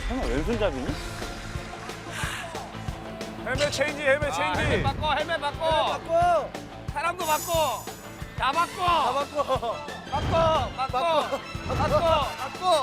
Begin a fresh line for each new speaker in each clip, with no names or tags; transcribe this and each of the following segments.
설마 왼손잡이니?
헬멧 체인지, 헬멧 체인지.
헬멧 바꿔, 헬멧 바꿔.
바꿔.
사람도 바꿔. 다 바꿔.
다 바꿔.
바꿔, 바꿔, 바꿔.
바꿔.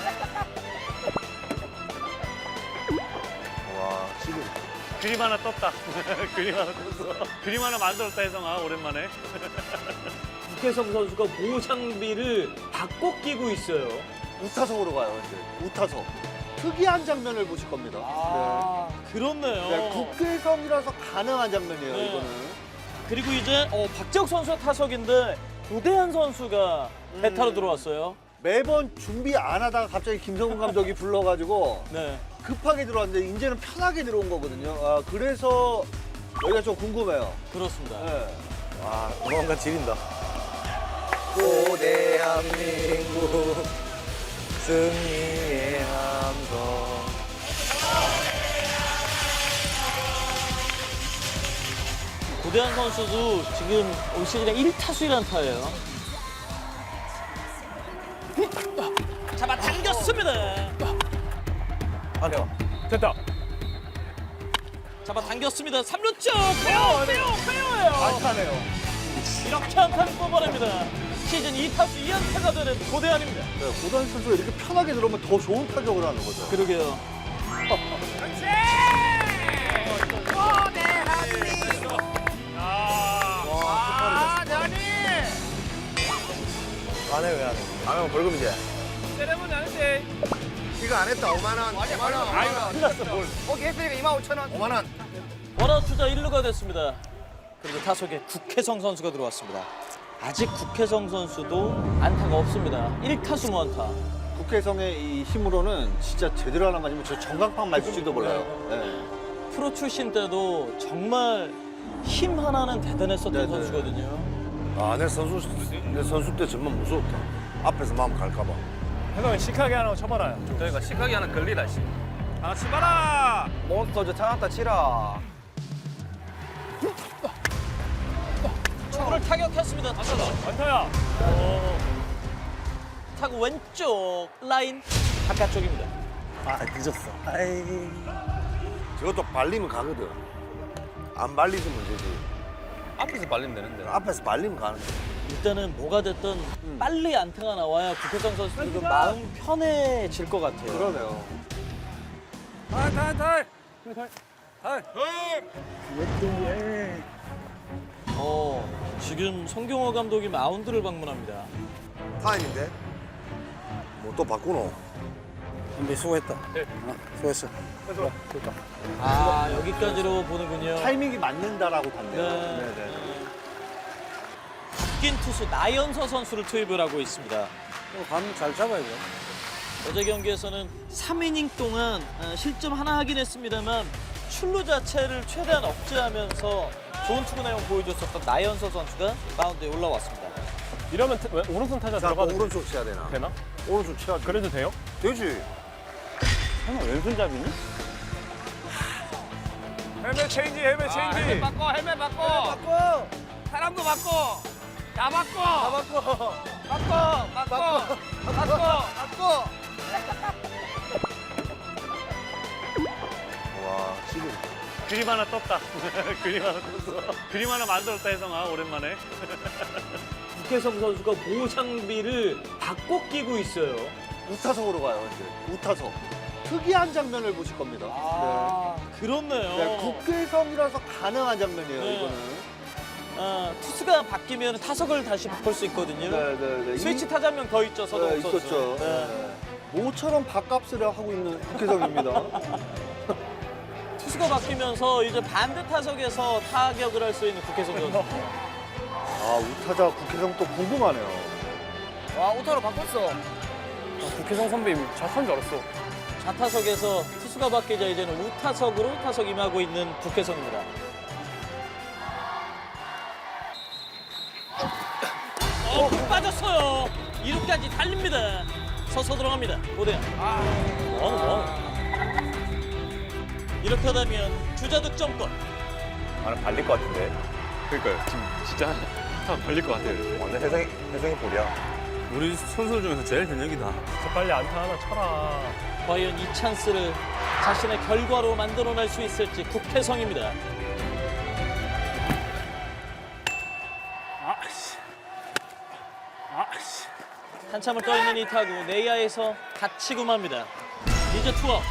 와, 지금 그림 하나 떴다. 그림 하나 떴어. 그림 하나 만들었다, 혜성아, 오랜만에.
국혜성 선수가 보호 장비를 바꿔 끼고 있어요.
우타석으로 가요, 이제. 우타석. 특이한 장면을 보실 겁니다.
그렇네요.
네, 국회성이라서 가능한 장면이에요,
네.
이거는.
그리고 이제 박재욱 선수가 타석인데 고대한 선수가 베타로 들어왔어요.
매번 준비 안 하다가 갑자기 김성훈 감독이 불러가지고
네.
급하게 들어왔는데 이제는 편하게 들어온 거거든요. 아, 그래서 여기가 좀 궁금해요.
그렇습니다.
네.
와, 뭔가 지린다.
대한민국 승리의 함성.
고대한 선수도 지금 올 시즌에 1타수 1안타예요. 잡아 당겼습니다.
안녕.
됐다.
잡아 당겼습니다. 3루 쪽 페어예요.
안타네요.
이렇게 안타를 뽑아냅니다. 시즌 2타수 2안타가 되는 고대한입니다.
네, 고단 선수가 이렇게 편하게 들어오면 더 좋은 타격을 하는 거죠.
그러게요.
그렇지. 오, 대한민국. 아, 대한이.
안 해, 왜 안 해? 안 하면 벌금이지.
세레머니 아닌데.
이거 안 했다, 5만 원. 5만 원.
아이고,
큰일 났어, 뭘.
거기 했으니까 25,000원.
5만 원.
원아웃 주자 1루가 됐습니다. 그리고 타석에 국혜성 선수가 들어왔습니다. 아직 국혜성 선수도 안타가 없습니다. 1타수 무안타.
국회성의 이 힘으로는 진짜 제대로 하나 맞으면 저 전광판 맞을지도 몰라요. 네.
프로 출신 때도 정말 힘 하나는 대단했었던
네네.
선수거든요.
아, 내 선수 때 정말 무서웠다. 앞에서 마음 갈까봐.
혜성이 시크하게 하나 쳐봐라.
저희가 시각이 하나 걸리다, 씨.
하나 치봐라.
몬스터 저 찾았다 치라.
초구를 타격했습니다.
안타야.
타구 왼쪽 라인 바깥쪽입니다.
아, 늦었어. 아이. 저것도 발리면 가거든. 안 발리면 문제지.
앞에서 발리면 되는데.
앞에서 발리면 가는 거야.
일단은 뭐가 됐든 빨리 안타가 나와야 국혜성 선수도 좀 마음 편해질 것 같아요.
그러네요.
탈.
지금 송경호 감독이 마운드를 방문합니다.
타임인데? 뭐 또 바꾸노? 근데 수고했다. 수고했어.
여기까지로 보는군요.
타이밍이 맞는다라고 봤네요.
네. 바뀐 투수 나연서 선수를 투입을 하고 있습니다.
감 잘 잡아야 돼.
어제 경기에서는 3이닝 동안 실점 하나 하긴 했습니다만 출루 자체를 최대한 억제하면서 좋은 투구 내용 보여줬었던 나연서 선수가 마운드에 올라왔습니다.
이러면 왜 오른손 타자
자,
들어가도
오른쪽 쳐야 되나?
되나?
오른쪽 쳐야지.
그래도 돼요?
되지.
설마 왼손잡이니?
헬멧 체인지, 헬멧 체인지.
헬멧 바꿔, 헬멧 바꿔.
바꿔.
사람도 바꿔. 다 바꿔.
다 바꿔.
바꿔, 바꿔. 바꿔.
바꿔.
와, 지금.
그림 하나 떴다. 그림 하나 떴어. 그림 하나 만들었다, 혜성아, 오랜만에.
국혜성 선수가 보호 장비를 바꿔 끼고 있어요.
우타석으로 가요, 이제. 우타석. 특이한 장면을 보실 겁니다.
그렇네요.
네, 국회성이라서 가능한 장면이에요,
네.
이거는.
투수가 바뀌면 타석을 다시 바꿀 수 있거든요.
네.
스위치 타자 한 명 더 있죠, 서동욱
네,
선수.
있었죠.
네.
네. 모처럼 밥값을 하고 있는 국회성입니다.
투수가 바뀌면서 이제 반대 타석에서 타격을 할 수 있는 국혜성 선수.
아, 우타자 국회성 또 궁금하네요.
와, 오타로 바꿨어.
국회성 선배님 잘한 줄 알았어.
좌타석에서 투수가 바뀌자 이제는 우타석으로 타석 임하고 있는 국혜성입니다. 공 빠졌어요. 2루까지 달립니다. 서서 들어갑니다. 고대한. 이렇게 하다면 주자 득점권.
나는 발릴 것 같은데. 그러니까요. 지금 진짜 한 발릴 것 같아요. 완전 혜성이 볼이야. 우리 선수 중에서 제일 현역이다.
저 빨리 안타 하나 쳐라.
과연 이 찬스를 자신의 결과로 만들어낼 수 있을지 국태성입니다. 한참을 떠있는 이 타구 내야에서 다치고 맙니다. 이제 투아웃.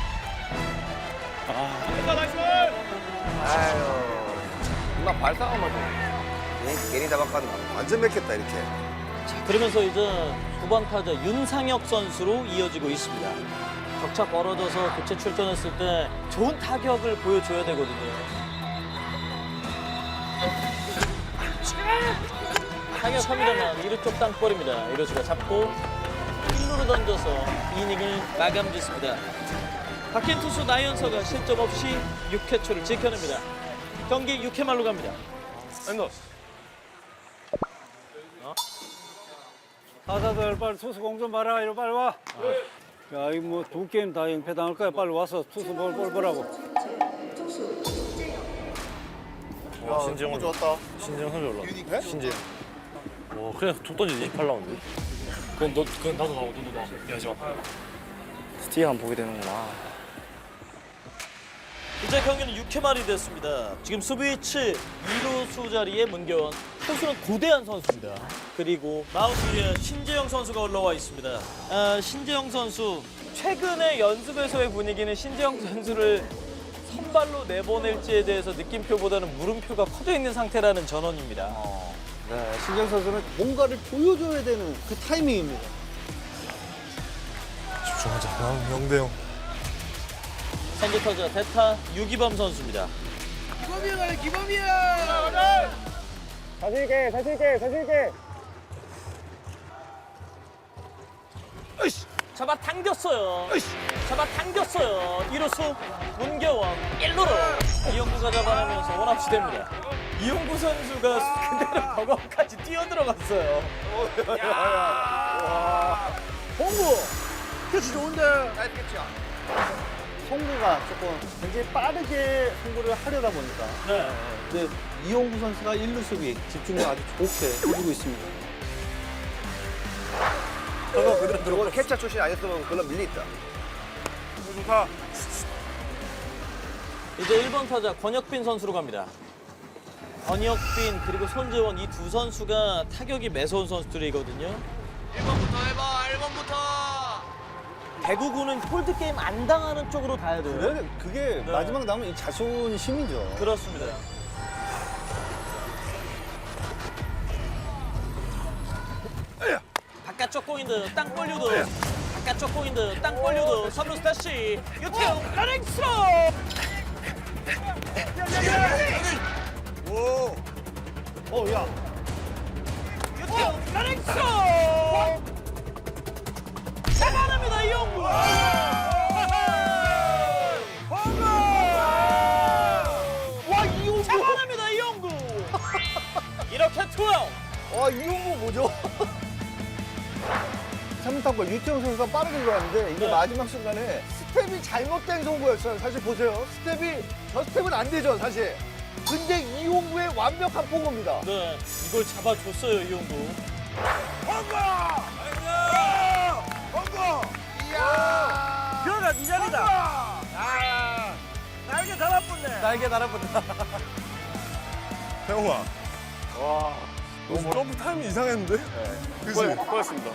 엄마 발상한 거지.
괜히 잡아가는 완전 맥혔다 이렇게.
자, 그러면서 이제 9번 타자 윤상혁 선수로 이어지고 있습니다. 격차 벌어져서 교체 출전했을 때 좋은 타격을 보여줘야 되거든요. 타격합니다만 1루 쪽 땅볼입니다. 1루수가 잡고 1루로 던져서 이닝을 마감 짓습니다. 박힌 투수 나연서가 실점 없이 6회 초를 지켜냅니다. 경기 6회 말로 갑니다.
타자들 빨리 투수 공 좀 봐라. 이리 빨리 와. 야, 이거 뭐 두 게임 다 연패당할 거야. 빨리 와서 투수 볼 보라고.
신재영 좋았다.
신재영 선수 올라.
신재영.
그냥 툭 던지지 8라운드.
그건 나도 나오고 너도 나와. 하지 마.
스티어 한번 보게 되는구나.
이제 경기는 6회 말이 됐습니다. 지금 수비치 2루수 자리에 문경원, 투수는 고대한 선수입니다. 그리고 마운드 위에 신재영 선수가 올라와 있습니다. 신재영 선수, 최근에 연습에서의 분위기는 신재영 선수를 선발로 내보낼지에 대해서 느낌표보다는 물음표가 커져 있는 상태라는 전언입니다.
네, 신정 선수는 뭔가를 보여줘야 되는 그 타이밍입니다.
집중하자. 영대형.
선두 타자 대타 유기범 선수입니다. 잡아 당겼어요. 잡아 당겼어요. 1루수 문경원 1루로 이용구가 잡아내면서 원아웃이 됩니다. 이용구 선수가 그대로 버거까지 뛰어들어갔어요.
홍구! 캐치 좋은데! 나이스 캐치야. 송구가 조금 굉장히 빠르게 송구를 하려다 보니까.
네.
근데 이용구 선수가 1루 수비 집중을 아주 좋게 해주고 있습니다.
저거 그대로 들어오고 캐쳐 출신 아니었으면 그걸로 밀려있다. 좋다.
이제 1번 타자 권혁빈 선수로 갑니다. 권혁빈 그리고 손재원 이 두 선수가 타격이 매서운 선수들이거든요.
1번부터 해봐. 1번부터.
배구구는 폴드게임 안 당하는 쪽으로 가야 돼요.
그게 마지막 남은 이 자존심이죠.
그렇습니다. 바깥쪽 공인드 땅볼 유도 바깥쪽 공인드 땅볼 유도 3루수 다시 유태웅 러닝 스로
야.
유태웅 러닝 스로 잡아냅니다 이용구
와, 이용구!
잡아냅니다 이용구 이렇게 투아웃.
와, 이용구 뭐죠? 3루타골 유태용 선수가 빠르게 들어갔는데 이게
네.
마지막 순간에 스텝이 잘못된 송구였어요. 사실 보세요. 저 스텝은 안 되죠, 사실. 근데 이용구의 완벽한 포고입니다.
네, 이걸 잡아줬어요 이용구.
그러나 네 자리다. 날개 달아붙네. 날개 달아붙다.
태용아. 와. 너 점프 타임이 이상했는데? 그치?
고맙습니다.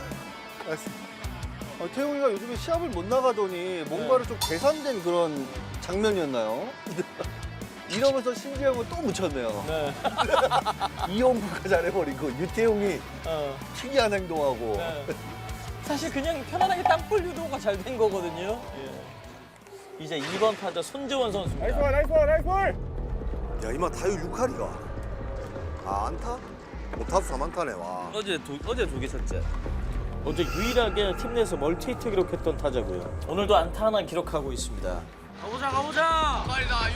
태용이가 요즘에 시합을 못 나가더니 뭔가를 좀 개선된 그런 장면이었나요? 이러면서 신재영을 또 묻혔네요.
네.
이용구가 잘해버리고 유태용이 특이한 행동하고.
네. 사실 그냥 편안하게 땅볼 유도가 잘 된 거거든요. 이제 2번 타자 손재원 선수입니다.
야, 이마 타율 6할이가. 아, 안타? 못타수 3안타네, 와.
어제 두 개 쳤지.
어제 유일하게 팀 내에서 멀티히트 기록했던 타자고요. 오늘도 안타 하나 기록하고 있습니다.
가보자. 6할이다.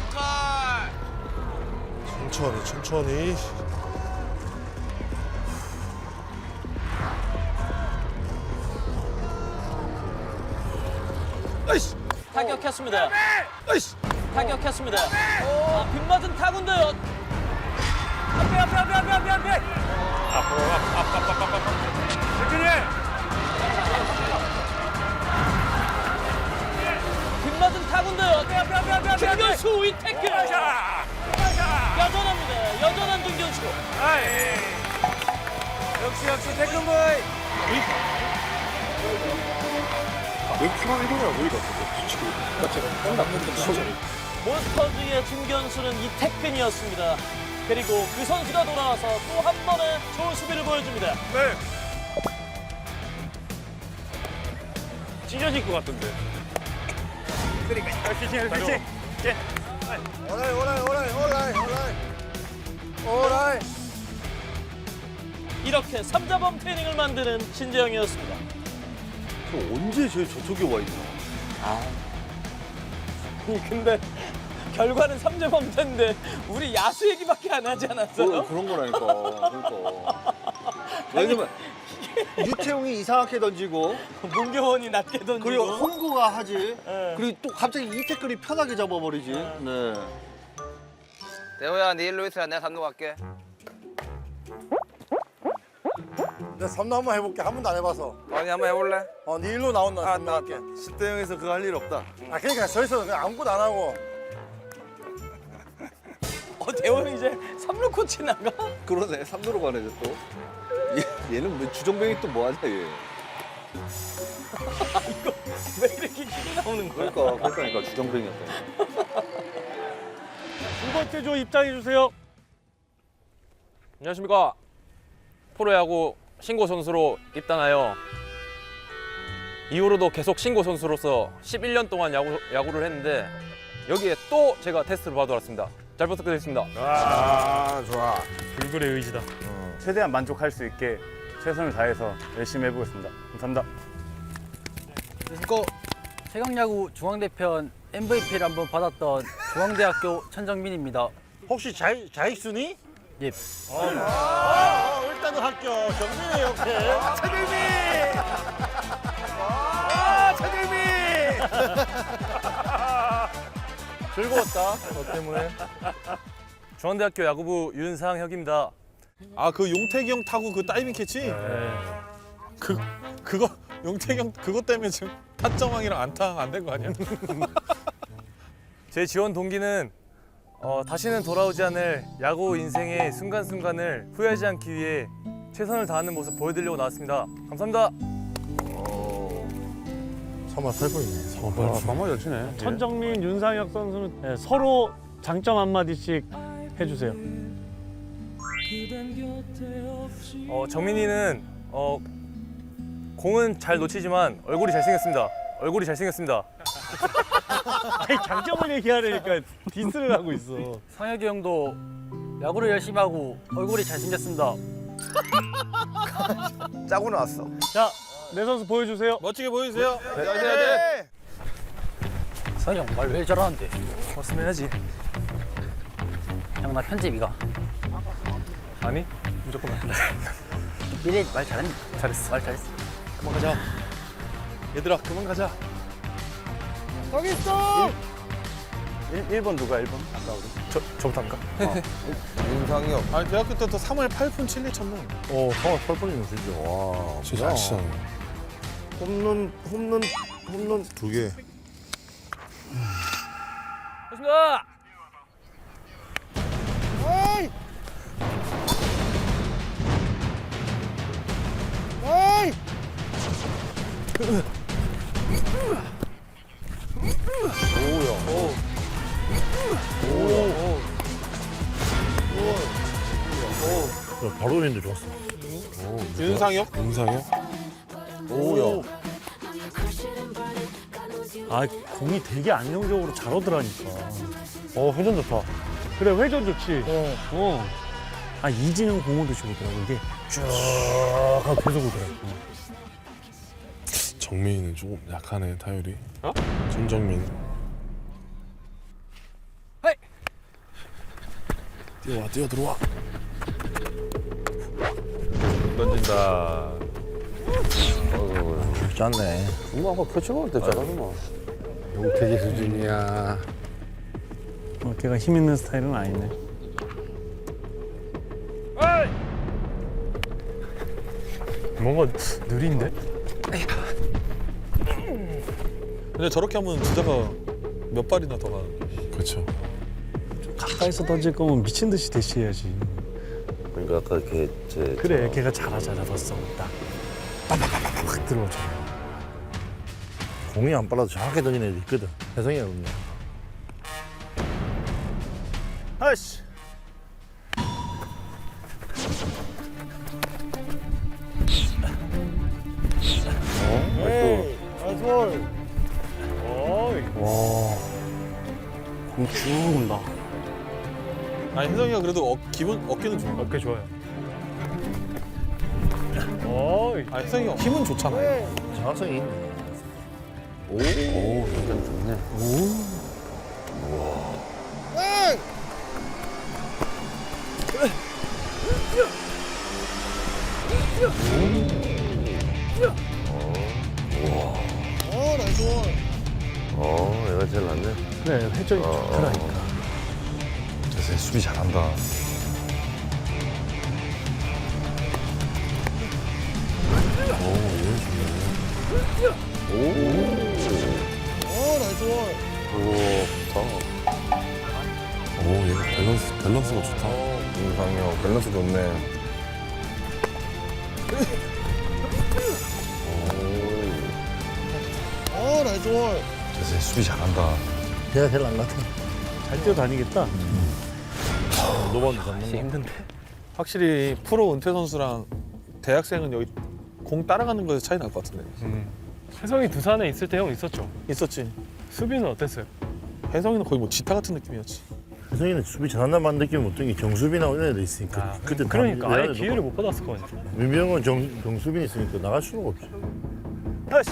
6할.
천천히.
타격했습니다. 타격했습니다. 빗맞은 타구인데요.
앞에.
타군데요. 김견수 이 태클. 여전합니다. 여전한 김견수.
역시 태클보이.
몬스터즈의 김견수는 이태근이었습니다. 그리고 그 선수가 돌아와서 또 한 번의 좋은 수비를 보여줍니다.
찢어질 것 같은데. 그러니까. 그렇지.
오라이.
이렇게 3자범 트레이닝을 만드는 신재영이었습니다.
언제 저쪽에 와 있나?
근데 결과는 3자범퇴인데 우리 야수 얘기밖에 안 하지 않았어요?
그런 거라니까. 그러니까. 왜냐면 유채용이 이상하게 던지고
문경원이 낮게 던지고
그리고 홍구가 하지.
네.
그리고 또 갑자기 이태클이 편하게 잡아버리지. 네.
대호야, 네 일로 있으라. 내가 3루 갈게.
내가 3루 한번 해볼게. 한 번도 안 해봐서.
아니, 한번 해볼래?
네 일로 나온다.
아,
3루 할게.
10대 0에서 그거 할 일 없다.
그러니까 서 있어서 그냥 아무것도 안 하고.
대호는 이제 3루 코치 나가?
그러네. 3루로 가네 이제 또. 얘는 뭐 주정뱅이 또 뭐 하냐 얘.
왜 이렇게 길이 나오는 거야?
그러니까 주정뱅이였다.
두 번째 조 입장해 주세요.
안녕하십니까. 프로야구 신고 선수로 입단하여 이후로도 계속 신고 선수로서 11년 동안 야구를 했는데 여기에 또 제가 테스트를 받으러 왔습니다. 잘 부탁드리겠습니다.
좋아.
불굴의 의지다. 최대한 만족할 수 있게 최선을 다해서 열심히 해보겠습니다. 감사합니다.
그리고 최강야구 중앙대편 MVP를 한번 받았던 중앙대학교 천정민입니다.
혹시 자익순이?
예.
일단은 합격. 정민이 오케이.
즐거웠다. 너 때문에. 중앙대학교 야구부 윤상혁입니다.
그 용태기 형 타고 그 다이빙 캐치? 그거 용태기 형 그것 때문에 지금 타점왕이랑 안타 안 된 거 아니야?
제 지원 동기는 다시는 돌아오지 않을 야구 인생의 순간순간을 후회하지 않기 위해 최선을 다하는 모습 보여드리려고 나왔습니다. 감사합니다.
3월 8분이네. 3월
잘 치네. 천정민, 윤상혁 선수는 서로 장점 한마디씩 해주세요.
정민이는 공은 잘 놓치지만 얼굴이 잘생겼습니다. 얼굴이 잘생겼습니다.
아니 장점을 얘기하려니까 디스를 하고 있어.
상혁이 형도 야구를 열심히 하고 얼굴이 잘생겼습니다.
짜고 나왔어.
자, 내 선수 보여주세요.
멋지게 보여주세요.
상혁이 형 말 왜 잘하는데?
봤으면 해야지.
형 나 편집이가.
아니? 무조건 안 돼.
미래 말 잘했네.
잘했어.
말 잘했어.
그만 가자. 얘들아 그만 가자.
거기 있어.
1번 누가 1번? 아까 우리.
저부터 할까?
윤상혁.
대학교 때도 3월 8분 7리 쳤네.
3월 8분이면 진짜. 와. 진짜 잘 치잖아. 홈런 2개.
좋습니다.
바로 던는데 좋았어.
윤상혁?
윤상혁? 오야.
아, 공이 되게 안정적으로 잘 오더라니까.
회전 좋다.
그래, 회전 좋지. 아, 이진영 공호도 좋더라고. 이게 쭉 하고 계속 오더라고.
정민이는 조금 약하네 타율이. 전정민.
헤이!
뛰어 들어와.
던진다.
쉽지 않네.
아까 표치먹을 때 잘하더만.
용태기 수준이야.
걔가 힘 있는 스타일은 아니네.
뭔가 느린데?
근데 저렇게 하면 주자가 몇 발이나 더 가는 거.
그렇죠. 가까이서 던질 거면 미친 듯이 대시해야지.
그러니까 아까 이렇게
그래, 걔가 잘하잖아 벌써. 딱 빡빡빡빡 들어오죠.
공이 안 빨라도 정확하게 던지는 애들 있거든. 혜성이가 없네.
아이씨. 공쭉 온다.
아니 혜성이가 그래도 기분 어깨는 좋아.
어깨 좋아요.
아니 혜성이가 힘은 좋잖아요.
정확성이 있네. 얘가 제일 낫네.
그래, 회전이 좋더라니까.
자세 수비 잘한다.
오, 얘가 밸런스가 좋다. 인상형 밸런스 좋네.
자세 수비 잘한다.
얘가 제일 안 같아.
잘 뛰어다니겠다.
노반도 잡는 거.
힘든데.
확실히 프로 은퇴 선수랑 대학생은 여기 공 따라가는 거에서 차이 날 것 같은데.
혜성이 두산에 있을 때 형 있었죠?
있었지.
수비는 어땠어요?
혜성이는 거의 뭐 지타 같은 느낌이었지.
혜성이는 수비 잘한다는 느낌이 어떤 게 정수빈이나 이런 애들 있으니까. 그때
그러니까
다
아예 기회를 못 받았을 거 아니야.
민병은 정수빈이 있으니까 나갈 수가 없지.
다시.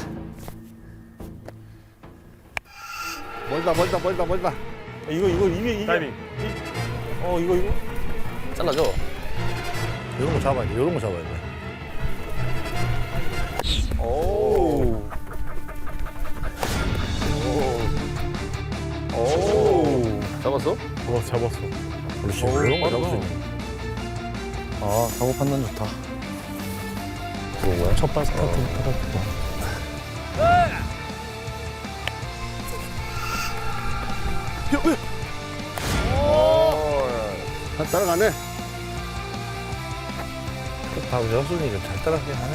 멀다.
이게.
타이밍.
이거.
잘라줘.
이런 거 잡아야 돼. 이런 거 잡아야 돼.
잡았어?
잡았어.
그렇지. 이런 거 잡을 수 있는.
아, 사고 판단 좋다.
그런 거야?
첫발 스타트 받았고.
따라가네. 다 여순이가 잘 따라가긴 하네.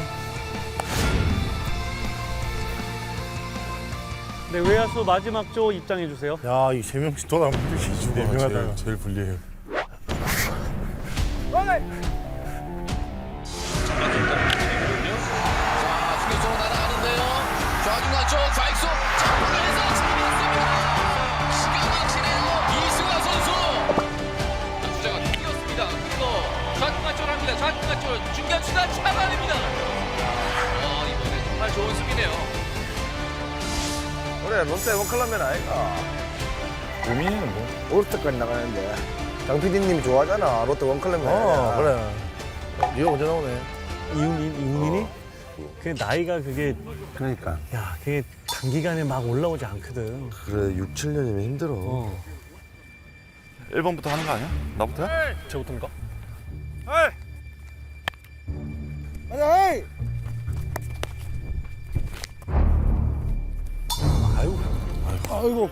네, 외야수 마지막 조 입장해 주세요.
야, 이 세 명씩 돌아보면
네 명하다. 제일 불리해요.
수비수로 날아가는데요. 좌중간 쪽 좌익수 잡아내서 잡았습니다. 기가 막히네요. 이승환 선수. 주자가 뛰었습니다. 그리고 좌중간 쪽으로 합니다. 좌중간 쪽 중견수가 잡아냅니다. 이번에 정말 좋은 수비네요.
그래, 롯데 원클럽맨 아이가.
우민이는 뭐?
올스타까지 나가는데. 장 PD님이 좋아하잖아, 롯데 원클럽맨. 그래. 이거 언제 나오네?
이훈민이? 그 나이가 그게
그러니까.
야, 그게 단기간에 막 올라오지 않거든.
그래, 6, 7년이면 힘들어.
1번부터 하는 거 아니야? 나부터야?
저부터인가?
아이고.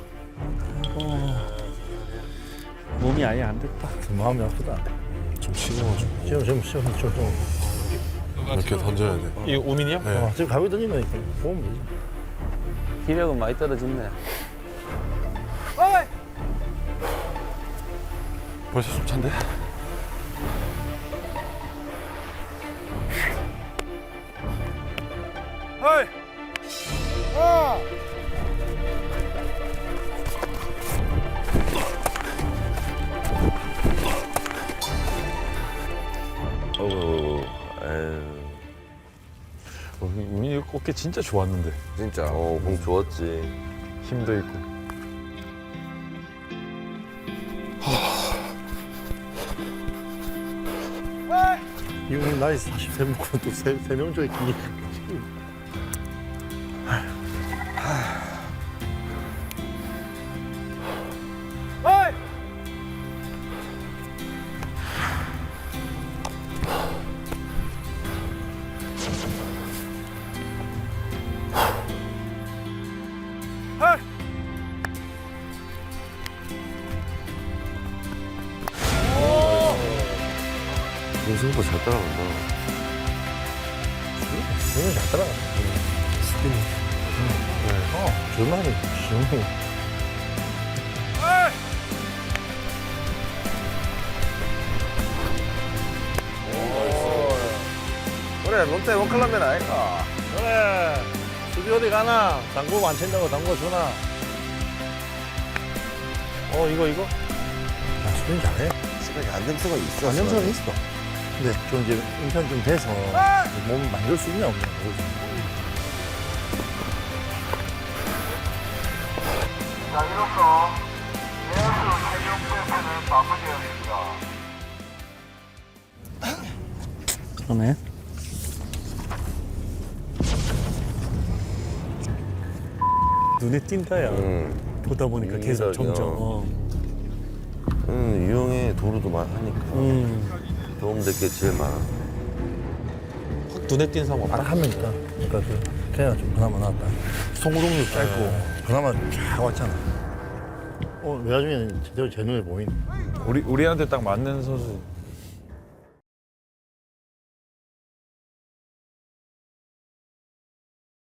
몸이 아예 안 됐다.
마음이 아프다.
좀 쉬워가지고.
좀.
이렇게 던져야 돼. 이 우민이야? 네.
지금 가위 던지니까 보면 되지.
기력은 많이 떨어졌네.
벌써 좀 찬데? 우민이 어깨 진짜 좋았는데.
진짜, 공 좋았지.
힘도 있고.
이분 나이 43명 또 3명 중에 기계. 생각보다 잘 따라간다. 수빈이 잘 따라간다. 수빈이. 저만이 지금. 그래, 롯데 원클럽맨 아이가.
그래. 수비 어디 가나? 당구 안 친다고 당구 주나?
이거?
아, 수비 잘해.
시간이 안정성이 있어.
안정성이 있어. 근데 좀 이제 인편 좀 돼서 몸을 만들 수 있냐 없냐 모르겠어.
자, 이로써 내야수 최종 세트는 마무리됩니다.
그러네. 눈에 띈다야. 보다 보니까 계속 점점.
유형의 도루도 많으니까. 도움될 게 제일 많아.
확 눈에 띈 사람 없다.
딱 한 명 있다. 그러니까 걔가 좀 그나마 나왔다. 송구동도 짧고 그나마 쫙 왔잖아. 외야중에는 제대로 제 눈에 보이네.
우리한테 딱 맞는 선수